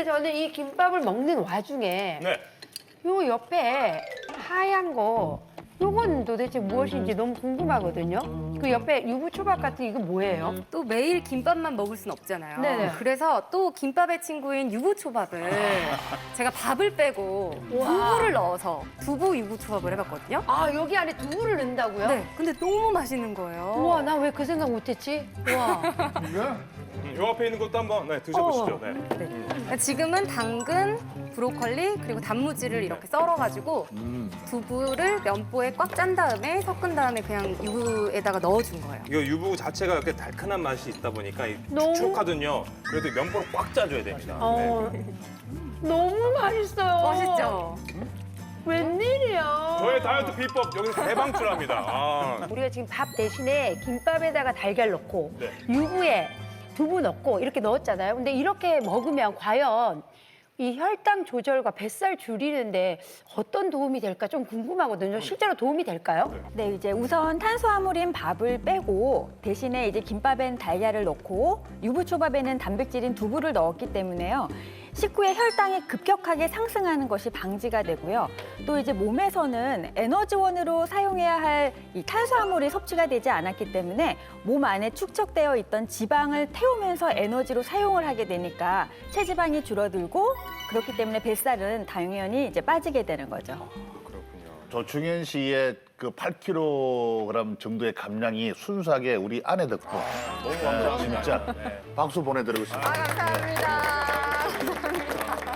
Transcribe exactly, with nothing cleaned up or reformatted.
근데 저는 이 김밥을 먹는 와중에 네. 요 옆에 하얀 거 요건 도대체 무엇인지 너무 궁금하거든요. 그 옆에 유부초밥 같은 이거 뭐예요? 또 매일 김밥만 먹을 순 없잖아요. 네네. 그래서 또 김밥의 친구인 유부초밥을 제가 밥을 빼고 두부를 넣어서 두부 유부초밥을 해봤거든요. 아 여기 안에 두부를 넣는다고요? 네, 근데 너무 맛있는 거예요. 우와 나 왜 그 생각 못했지? 우와. 음, 요 앞에 있는 것도 한번 네, 드셔보시죠. 네. 네. 지금은 당근, 브로콜리 그리고 단무지를 이렇게 썰어가지고 두부를 면보에 꽉 짠 다음에 섞은 다음에 그냥 유부에다가 넣어준 거예요. 이거 유부 자체가 이렇게 달큰한 맛이 있다 보니까 이 너무- 축축하거든요. 그래도 면보를 꽉 짜줘야 됩니다. 어, 네. 너무 맛있어요. 멋있죠? 웬일이야. 저의 다이어트 비법 여기서 대방출합니다. 아. 우리가 지금 밥 대신에 김밥에다가 달걀 넣고 네. 유부에 두부 넣고 이렇게 넣었잖아요. 근데 이렇게 먹으면 과연 이 혈당 조절과 뱃살 줄이는데 어떤 도움이 될까 좀 궁금하거든요. 실제로 도움이 될까요? 네, 이제 우선 탄수화물인 밥을 빼고 대신에 이제 김밥엔 달걀을 넣고 유부초밥에는 단백질인 두부를 넣었기 때문에요. 식후에 혈당이 급격하게 상승하는 것이 방지가 되고요. 또 이제 몸에서는 에너지원으로 사용해야 할 이 탄수화물이 섭취가 되지 않았기 때문에 몸 안에 축적되어 있던 지방을 태우면서 에너지로 사용을 하게 되니까 체지방이 줄어들고 그렇기 때문에 뱃살은 당연히 이제 빠지게 되는 거죠. 조충현 씨의 그 팔 킬로그램 정도의 감량이 순수하게 우리 아내 덕분. 너무 네, 감사합니다. 진짜 네. 박수 보내드리고 싶습니다. 감사합니다.